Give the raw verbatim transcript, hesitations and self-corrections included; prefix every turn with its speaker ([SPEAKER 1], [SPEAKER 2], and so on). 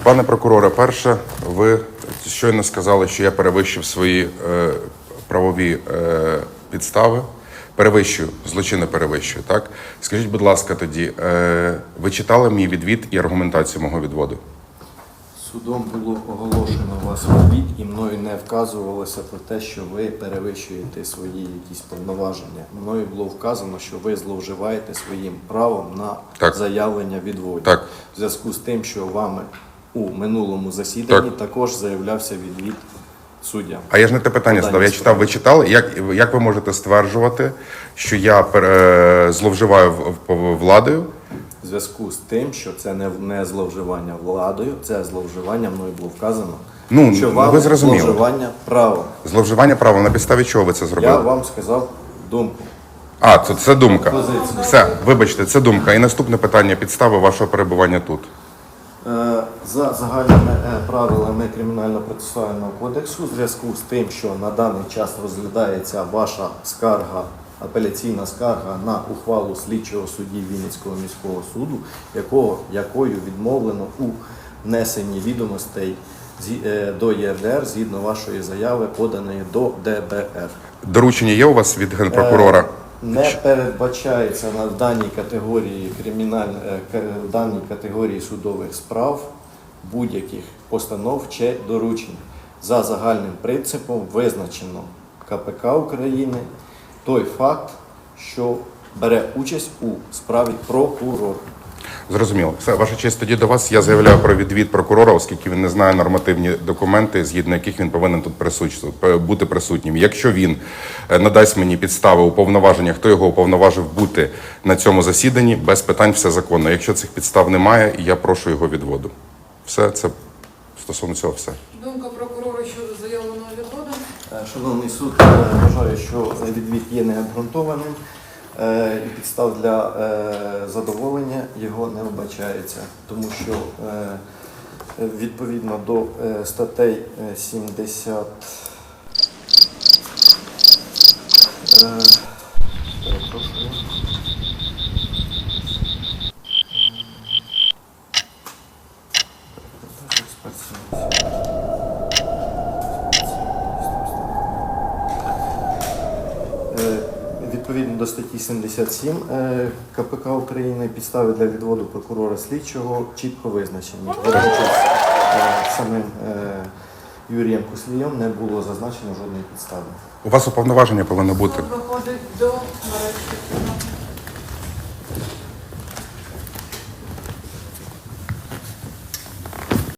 [SPEAKER 1] Пане прокуроре, перше, ви щойно сказали, що я перевищив свої е, правові е, підстави. Перевищую, злочини перевищую, так? Скажіть, будь ласка, тоді, е, ви читали мій відвід і аргументацію мого відводу?
[SPEAKER 2] Судом було оголошено вас відвід і мною не вказувалося про те, що ви перевищуєте свої якісь повноваження. Мною було вказано, що ви зловживаєте своїм правом на
[SPEAKER 1] Так.
[SPEAKER 2] заявлення відводу.
[SPEAKER 1] Так.
[SPEAKER 2] В зв'язку з тим, що вами у минулому засіданні
[SPEAKER 1] Так.
[SPEAKER 2] також заявлявся відвід суддям.
[SPEAKER 1] А я ж не те питання задав. Я читав, ви читали. Як, як ви можете стверджувати, що я пере, зловживаю в- в- владою?
[SPEAKER 2] В зв'язку з тим, що це не, не зловживання владою, це зловживання, мною було вказано,
[SPEAKER 1] Ну,
[SPEAKER 2] що
[SPEAKER 1] ну,
[SPEAKER 2] вам
[SPEAKER 1] ви зрозуміли.
[SPEAKER 2] зловживання правом.
[SPEAKER 1] Зловживання правом, на підставі чого ви це зробили?
[SPEAKER 2] Я вам сказав думку.
[SPEAKER 1] А, це, це думка.
[SPEAKER 2] Позицію.
[SPEAKER 1] Все, вибачте, це думка. І наступне питання, підстави вашого перебування тут.
[SPEAKER 2] Е, За загальними е, правилами Кримінально-процесуального кодексу, в зв'язку з тим, що на даний час розглядається ваша скарга, апеляційна скарга на ухвалу слідчого судді Вінницького міського суду, якого, якою відмовлено у внесенні відомостей зі- е, до ЄРДР згідно вашої заяви, поданої до Д Б Р.
[SPEAKER 1] Доручення є у вас від генпрокурора?
[SPEAKER 2] Е, Не передбачається на в даній категорії криміналь... е, к- в даній категорії судових справ будь-яких постанов чи доручень. За загальним принципом визначено К П К України той факт, що бере участь у справі прокурор.
[SPEAKER 1] Зрозуміло. Все, ваша честь, тоді до вас я заявляю про відвід прокурора, оскільки він не знає нормативні документи, згідно яких він повинен тут присутствувати, бути присутнім. Якщо він е, надасть мені підстави уповноваження, хто його уповноважив бути на цьому засіданні, без питань все законно. Якщо цих підстав немає, я прошу його відводу. Все, це стосовно цього все.
[SPEAKER 3] Думка прокурора щодо заявленого відводу.
[SPEAKER 2] Е, Шановний суд, е, вважаю, що відвід є необґрунтованим е, і підстав для е, задоволення його не вбачається, тому що е, відповідно до е, статей е, сімдесят е, перепрошую. Е, Відповідно до статті сімдесят сім е, К П К України підстави для відводу прокурора слідчого чітко визначені. Водночас е, самим е, Юрієм Куслієм не було зазначено жодної підстави.
[SPEAKER 1] У вас уповноваження повинно бути.
[SPEAKER 3] Суд виходить до нарешті.